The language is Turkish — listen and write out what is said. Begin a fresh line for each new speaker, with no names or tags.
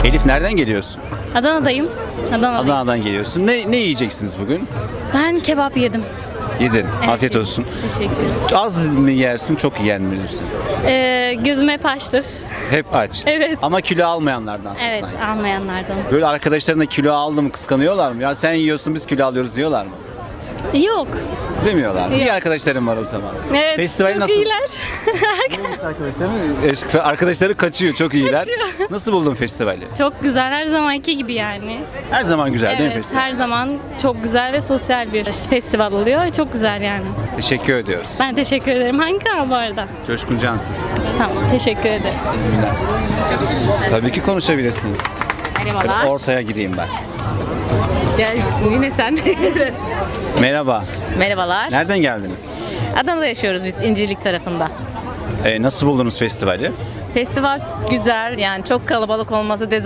Elif nereden geliyorsun?
Adana'dayım.
Adana'dan geliyorsun. Ne yiyeceksiniz bugün?
Ben kebap yedim.
Yedin.
Evet,
Afiyet
yedim.
olsun.
Teşekkür ederim.
Az mı yersin, çok yer mi yersin?
Gözüm hep açtır.
Hep aç.
Evet.
Ama kilo almayanlardansın
Evet,
sanki.
almayanlardan.
Böyle arkadaşlarına kilo aldı mı kıskanıyorlar mı? Ya sen yiyorsun biz kilo alıyoruz diyorlar mı?
Yok.
Demiyorlar mı?
Yok.
İyi arkadaşlarım var o zaman.
Evet,
Festivali
çok
nasıl?
iyiler.
Arkadaşları kaçıyor, çok iyiler.
Kaçıyor.
Nasıl buldun festivali?
Çok güzel, her zamanki gibi yani.
Her zaman güzel değil mi
Evet,
festival?
her zaman çok güzel ve sosyal bir festival oluyor. Çok güzel yani.
Teşekkür ediyoruz.
Ben teşekkür ederim. Hangi kanal bu arada?
Coşkun Cansız.
Tamam, teşekkür ederim.
Tabii ki konuşabilirsiniz.
Merhabalar.
Ortaya gireyim ben.
Ya, yine sen.
Merhaba.
Merhabalar.
Nereden geldiniz?
Adana'da yaşıyoruz biz, İncirlik tarafında.
Nasıl buldunuz festivali?
Festival güzel, yani çok kalabalık olması